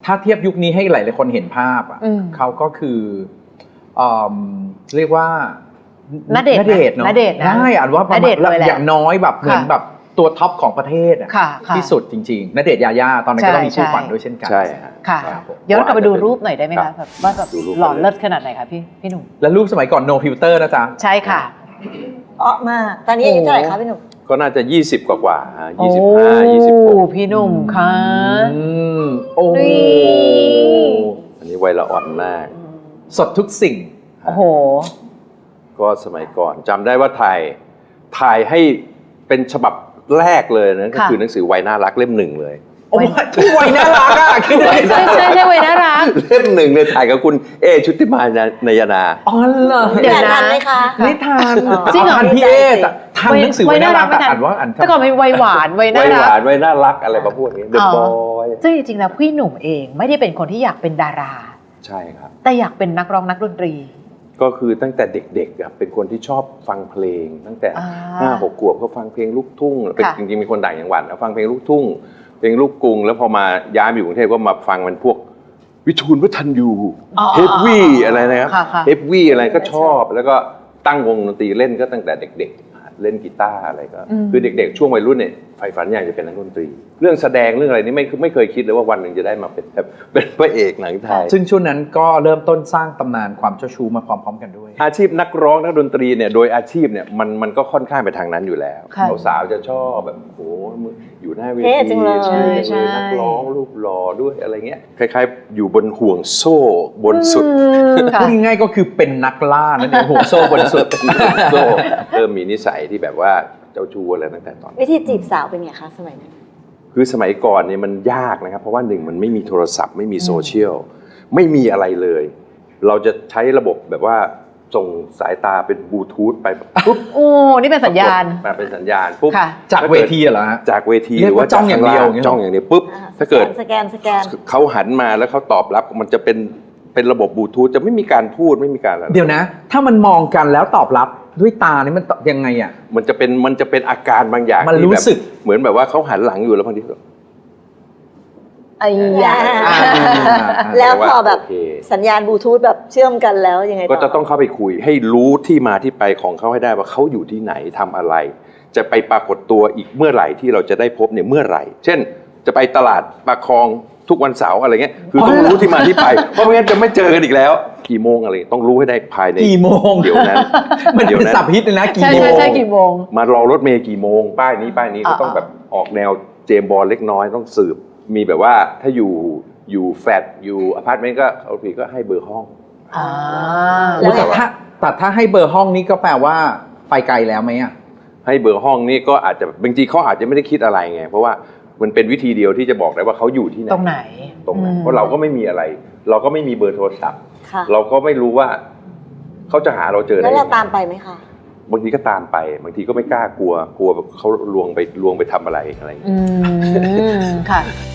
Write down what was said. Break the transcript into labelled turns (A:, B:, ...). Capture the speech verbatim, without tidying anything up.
A: ถ้าเทียบยุคนี้ให้หลายๆคนเห็นภาพอ่ะเขาก็คือเรียกว่า
B: ณเดชน์
A: ณเดชน์เนาะ
B: ณเดชน์นะ
A: ได้อ่านว่าประมาณอย่างน้อยแบบเหมือนแบบตัวท็อปของประเทศที่สุดจริงๆณเดชน์ยาย่าตอนนั้นก็ต้องมีคู่ขวัญด้วยเช่นกัน
C: ใช่
B: ค่ะย้อนกลับไปดูรูปหน่อยได้ไหมคะแบบว่าแบบหล่อเลิศขนาดไหนคะพี่พี่หนุ่ม
A: แล้วรูปสมัยก่อน no filter นะจ๊ะ
B: ใช่ค่ะ
D: อ๋อมาตอนนี้อายุเท่าไหร่คะพี่หนุ่ม
C: ก็น่าจะยี่สิบกว่าๆยี่สิบห้า ยี่สิบหก
B: พี่หนุ่มค่ะ
A: โอ้
C: อันนี้วัยละอ่อนมาก
A: สดทุกสิ่ง
B: โอ้โห
C: ก็สมัยก่อนจำได้ว่าถ่ายถ่ายให้เป็นฉบับแรกเลยนะก็คือหนังสือวัยน่ารักเล่มหนึ่งเลย
A: โอ้ยที่วัยน่ารักอ่ะคือ
B: ใช่ใช่ใช่วัยน่ารัก
C: เล่มหนึ่งเลยถ่ายกับคุณเอชุติมานายนา
A: อ๋อเหรอ
D: เดี๋ยวทันไหมคะ
A: ไม่ทัน
B: จริงเหรอ
A: ทันพี่เอแต่ทันหนังสือวัยน่ารักแต่อ่านว่าอ่าน
B: แต่ก่อนเป็นวัยหวานวัยน่ารัก
C: วัยหวานวัยน่ารักอะไรมาพูดอย่างนี้เดอะบอย
B: ซึ่งจริงๆแล้วพี่หนุ่มเองไม่ได้เป็นคนที่อยากเป็นดารา
C: ใช่ครับ
B: แต่อยากเป็นนักร้องนักดนตรี
C: ก็คือตั้งแต่เด็กๆเป็นคนที่ชอบฟังเพลงตั้งแต่ห้าหกขวบก็ฟังเพลงลูกทุ่งเป็นจริงๆมีคนต่างจังหวัดแล้วฟังเพลงลูกทุ่งเพลงลูกกรุงแล้วพอมาย้ายมาอยู่กรุงเทพก็มาฟังมันพวกวิทูลวัฒนยูเฮฟวี่อะไรนะครับเฮฟวี่อะไรก็ชอบแล้วก็ตั้งวงดนตรีเล่นก็ตั้งแต่เด็กๆเล่นกีตาร์อะไรก็คือเด็กๆช่วงวัยรุ่นเนี่ยใฝ่ฝันอยากจะเป็นนักดนตรีเรื่องแสดงเรื่องอะไรนี่ไม่ไม่เคยคิดเลยว่าวันหนึ่งจะได้มาเป็นแบบเป็นพระเอกหนังไทย
A: ซึ่งช่วงนั้นก็เริ่มต้นสร้างตำนานความเจ้าชู้มาพร้อมๆกันด้วย
C: อาชีพนักร้องนักดนตรีเนี่ยโดยอาชีพเนี่ยมันมันก็ค่อนข้างไปทางนั้นอยู่แล้วสาวๆจะชอบแบบโอ้อยู่หน้าเวทีเลยนักร้องรูปหล่อด้วยอะไรเงี้ยคล้ายๆอยู่บนห่วงโซ่บนสุด
A: พูดง่ายๆก็คือเป็นนักล่านั่นเองห่วงโซ่บนสุด
C: โซ่เริ่มมีนิสัยที่แบบว่าเจ้าชู้อะไรตั้งแต่ตอน
D: วิธีจีบสาวเป็นไงคะสมัยนั้น
C: คือสมัยก่อนเนี่ยมันยากนะครับเพราะว่าหนึ่งมันไม่มีโทรศัพท์ไม่มีโซเชียลไม่มีอะไรเลยเราจะใช้ระบบแบบว่าส่งสายตาเป็นบลูทูธไปปุ๊บ
B: โอ้นี่เป็นสัญญาณ
C: แบบเป็นสัญญาณปุ๊บ
A: จากเวทีเหรอฮะ
C: จากเวที
A: หรือว่าจ้องอย่างเดียว
C: จ้องอย่างเดียวปุ๊บถ้าเกิด
D: สแกนสแกน
C: เขาหันมาแล้วเขาตอบรับมันจะเป็นเป็นระบบบลูทูธจะไม่มีการพูดไม่มีการอะไร
A: เดี๋ยวนะถ้ามันมองกันแล้วตอบรับด้วยตานี่มันยังไงอ่ะ
C: มันจะเป็นมันจะเป็นอาการบางอย่าง
A: มันรู้สึก
C: เหมือนแบบว่าเขาหันหลังอยู่แล้วบางทีก็
D: ไอ้ยาแล้วพอแบบสัญญาณบลูทูธแบบเชื่อมกันแล้วยังไง
C: ก็จะต้องเข้าไปคุยให้รู้ที่มาที่ไปของเขาให้ได้ว่าเขาอยู่ที่ไหนทำอะไรจะไปปรากฏตัวอีกเมื่อไหร่ที่เราจะได้พบเนี่ยเมื่อไหร่เช่นจะไปตลาดปากคลองทุกวันเสาร์อะไรเงี้ยคือต้องรู้ที่มาที่ไปเพราะไม่งั้นจะไม่เจอกันอีกแล้วกี่โมงอะไรต้องรู้ให้ได้ภายใน
A: กี่โมง
C: เดี๋ยวนั้น
A: มันเป็นสับฮิตเลยนะกี่
B: โมงใช่ใช่กี่โมง
C: มารอรถเมล์กี่โมงป้ายนี้ป้ายนี้ก็ต้องแบบออกแนวเจมส์บอนด์เล็กน้อยต้องสืบมีแบบว่าถ้าอยู่อยู่แฟลตอยู่อพาร์ตเมนต์ก็โอเคก็ให้เบอร์ห้อง
B: อ่า
A: แล้วแต่ถ้าแต่ถ้าให้เบอร์ห้องนี้ก็แปลว่าไปไกลแล้วไหมอ่ะ
C: ให้เบอร์ห้องนี่ก็อาจจะบางทีเขาอาจจะไม่ได้คิดอะไรไงเพราะว่ามันเป็นวิธีเดียวที่จะบอกได้ว่าเขาอยู่ที่ไหน
B: ตรงไหน
C: ตรงไหนเพราะเราก็ไม่มีอะไรเราก็ไม่มีเบอร์โทรศัพท์เราก็ไม่รู้ว่าเขาจะหาเราเจอได้
D: แล้วเราตามไปไหมคะ
C: บางทีก็ตามไปบางทีก็ไม่กล้ากลัวกลัวเขาลวงไปลวงไปทำอะไรอะไรอย่างเงี้ย
B: ค่ะ